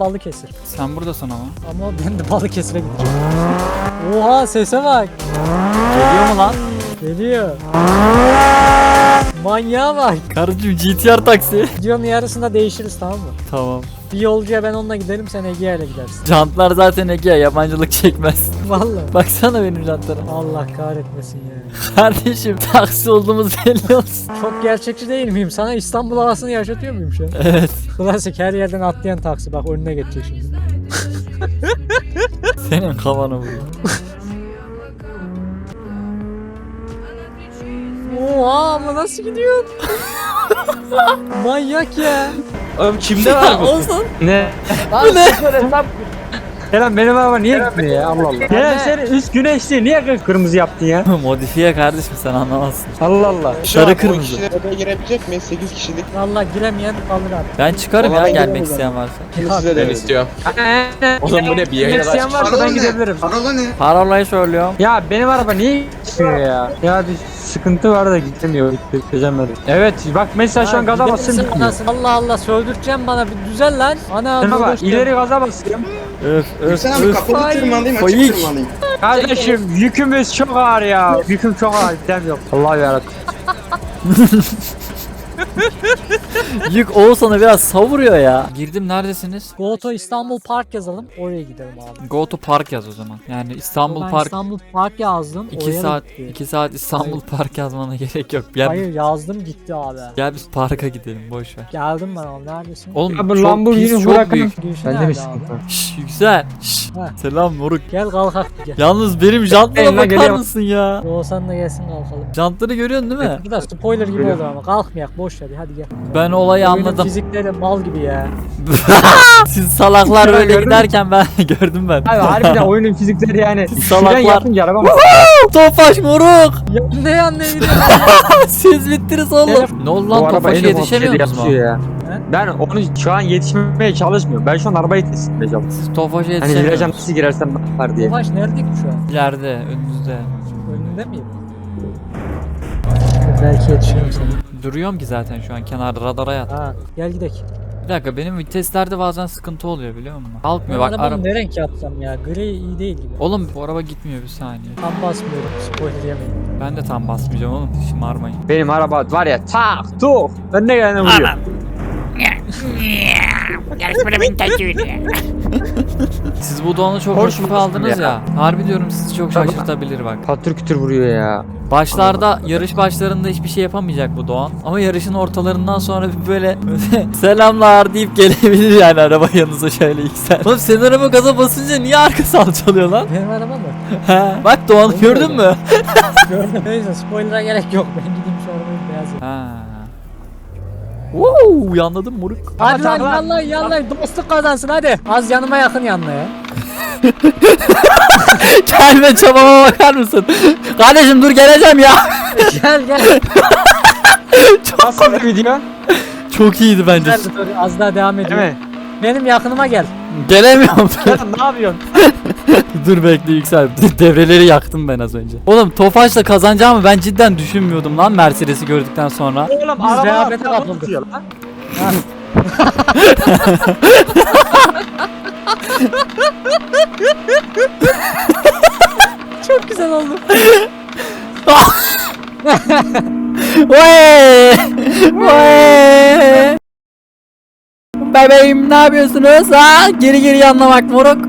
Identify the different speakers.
Speaker 1: Balıkesir.
Speaker 2: Sen buradasın ama.
Speaker 1: Ama ben de Balıkesir'e gideceğim. Oha sese bak.
Speaker 2: Geliyor mu lan?
Speaker 1: Geliyor. Manyağa bak.
Speaker 2: Karıcığım GTR taksi.
Speaker 1: Videonun yarısında değişiriz tamam mı?
Speaker 2: Tamam.
Speaker 1: Bir yolcuya ben onunla giderim, sen Ege'ye ile gidersin.
Speaker 2: Jantlar zaten Ege, yabancılık çekmez.
Speaker 1: Vallahi.
Speaker 2: Baksana benim jantlara.
Speaker 1: Allah kahretmesin ya.
Speaker 2: Kardeşim taksi olduğumuz belli olsun.
Speaker 1: Çok gerçekçi değil miyim? Sana İstanbul havasını yaşatıyor muyum şu an?
Speaker 2: Evet.
Speaker 1: Klasik her yerden atlayan taksi. Bak önüne geçecek şimdi.
Speaker 2: Senin kafana vuruyor.
Speaker 1: Oha ama nasıl gidiyor? Manyak ya.
Speaker 3: Oğlum kimde var bu?
Speaker 2: Olsun.
Speaker 3: Ne?
Speaker 2: Bu ne?
Speaker 3: Kerem benim araba niye gitmiyor ya Allah Allah. Kerem sen üst güneşli niye kırmızı yaptın ya?
Speaker 2: Modifiye kardeşim, sen anlamazsın.
Speaker 3: Allah Allah.
Speaker 2: Sarı
Speaker 4: O
Speaker 2: kırmızı.
Speaker 4: kişiler odaya girebilecek mi? 8 kişilik.
Speaker 1: Vallahi giremeyen kalır abi.
Speaker 2: Ben çıkarım
Speaker 4: Vallahi
Speaker 2: ya,
Speaker 4: ben
Speaker 2: gelmek
Speaker 4: giderim
Speaker 2: isteyen varsa.
Speaker 4: Şimdi size de istiyorum.
Speaker 3: Oğlum bu ne bir yayına
Speaker 5: İsteyen
Speaker 3: varsa
Speaker 5: ben gidebilirim. Parola ne?
Speaker 2: Parolayı söylüyorum.
Speaker 3: Ya benim araba niye gitmiyor ya? Ya bir sıkıntı var da gitmiyor. Çözemedim. Evet bak mesela şu an gaza
Speaker 1: gider
Speaker 3: basıyorum
Speaker 1: misin
Speaker 3: gitmiyor.
Speaker 1: anasını? Allah Allah söldüreceğim bana bir düzel lan. Ana
Speaker 3: Şuna bak
Speaker 1: uğraşacağım.
Speaker 3: ileri gaza basıyorum.
Speaker 2: Öf
Speaker 5: Sen abi kapalı
Speaker 1: Ay.
Speaker 5: tırmanayım, açık
Speaker 2: Fayik.
Speaker 5: tırmanayım.
Speaker 3: Kardeşim yükümüz çok ağır ya. Yüküm çok ağır. Gidemiyorum. Allah yarabbim.
Speaker 2: Yük Oğuzhan'ı biraz savuruyor ya. Girdim, neredesiniz?
Speaker 1: Go to İstanbul Park yazalım. Oraya gidelim abi.
Speaker 2: Go to Park yaz o zaman. Yani İstanbul
Speaker 1: Ben
Speaker 2: Park.
Speaker 1: İstanbul Park yazdım.
Speaker 2: 2
Speaker 1: oraya
Speaker 2: saat
Speaker 1: gitti.
Speaker 2: 2 saat İstanbul Park yazmana gerek yok. Gel,
Speaker 1: Hayır yazdım gitti abi.
Speaker 2: gel biz parka gidelim, boş ver.
Speaker 1: Geldim ben oğlum neredesin?
Speaker 2: Oğlum
Speaker 3: Ya bu
Speaker 2: çok
Speaker 3: Lamborghini
Speaker 2: pis, çok
Speaker 3: Huracan.
Speaker 2: büyük.
Speaker 1: Gülşen
Speaker 3: Bende
Speaker 1: nerede
Speaker 3: mi sıkıntı?
Speaker 1: abi?
Speaker 2: Şşş yüksel. Şşş.
Speaker 1: Ha.
Speaker 2: Selam moruk.
Speaker 1: Gel kalkak bir gel.
Speaker 2: Yalnız benim jantlara
Speaker 3: Eline
Speaker 2: bakar
Speaker 3: geliyor.
Speaker 2: mısın ya?
Speaker 1: Oğuzhan da gelsin kalkalım.
Speaker 2: Jantları görüyorsun değil mi?
Speaker 1: Bu da spoiler gibi
Speaker 3: Geliyorum.
Speaker 1: oldu ama kalkmayak boş ver hadi gel.
Speaker 2: Ben olayı
Speaker 1: Oyunun
Speaker 2: anladım.
Speaker 1: fizikleri mal gibi ya.
Speaker 2: Siz salaklar
Speaker 3: Ya
Speaker 2: böyle
Speaker 3: gördün mü?
Speaker 2: giderken ben gördüm ben.
Speaker 3: Abi harbiden oyunun fizikleri yani.
Speaker 2: Salaklar.
Speaker 3: Şuradan yapınca araba mı?
Speaker 2: Tofaş moruk.
Speaker 1: Ne yanına gidiyorsun?
Speaker 2: Siz bittiniz oğlum. Ne oldu lan, Tofaş'a yetişemiyor musunuz mu?
Speaker 3: ya. Ben onu şu an yetişmeye çalışmıyorum. Ben şu an arabayı teslim edeceğim.
Speaker 2: Siz Tofaş'a
Speaker 3: Hani
Speaker 2: yetişemiyor
Speaker 3: virajdan
Speaker 2: musunuz?
Speaker 3: nasıl girersem var diye.
Speaker 1: Tofaş nerede ki şu an?
Speaker 2: İleride, önünüzde.
Speaker 1: Önünde miyim? Belki yetişirim sana.
Speaker 2: Duruyorum ki zaten şu an kenarda, radara yat.
Speaker 1: Ha gel gidelim.
Speaker 2: Bir dakika, benim viteslerde bazen sıkıntı oluyor biliyor musun?
Speaker 1: Ben
Speaker 2: Kalkmıyor bak
Speaker 1: arabanın
Speaker 2: araba.
Speaker 1: ne renk yapsam ya? Gri iyi değil gibi.
Speaker 2: Oğlum bu araba gitmiyor, bir saniye.
Speaker 1: Tam basmıyorum spoiler yemeyin.
Speaker 2: Ben de tam basmayacağım oğlum, şımarmayın.
Speaker 3: Benim araba var ya tak tuk. Önüne gelene vuruyor.
Speaker 2: Siz bu doğanı çok
Speaker 3: Hoş
Speaker 2: hafife
Speaker 3: musun
Speaker 2: aldınız
Speaker 3: ya?
Speaker 2: ya. Harbi diyorum, sizi çok
Speaker 3: Tabii.
Speaker 2: şaşırtabilir bak.
Speaker 3: Patır kütür vuruyor ya.
Speaker 2: Başlarda, yarış başlarında hiçbir şey yapamayacak bu Doğan. Ama yarışın ortalarından sonra bir böyle selamlar deyip gelebilir yani araba yanınıza şöyle yüksel. Oğlum senin araba gaza basınca niye arka salçalıyor lan?
Speaker 1: Benim araba mı?
Speaker 2: He, bak Doğan'ı gördün mü?
Speaker 1: Gördüm. Neyse spoiler'a gerek yok. Ben gideyim şu arabayı beyaz yapayım.
Speaker 2: Ha. Woo, yanladım moruk.
Speaker 1: Hadi lan
Speaker 3: tamam.
Speaker 1: yallah yallah dostluk kazansın hadi. Az yanıma yakın yanına ya.
Speaker 2: Gelme çabama, bakar mısın? Kardeşim dur, geleceğim ya.
Speaker 1: Gel gel.
Speaker 3: Nasıl bir video?
Speaker 2: Çok iyiydi bence.
Speaker 1: Gel dur az daha devam
Speaker 3: Değil
Speaker 1: ediyor.
Speaker 3: mi?
Speaker 1: Benim yakınıma gel.
Speaker 2: Gelemiyorum.
Speaker 3: Ya ne yapıyorsun?
Speaker 2: Dur bekle yüksel. Devreleri yaktım ben az önce. Oğlum Tofaş'la kazanacağımı ben cidden düşünmüyordum lan, Mercedes'i gördükten sonra.
Speaker 3: Oğlum
Speaker 1: Biz
Speaker 3: araba
Speaker 1: rehavete
Speaker 3: araba
Speaker 1: kapıldık.
Speaker 3: tutuyor lan.
Speaker 1: Çok güzel oldu.
Speaker 2: Vay! Vay! Bebeğim ne yapıyorsunuz? Ha? Geri geri yanlamak moruk.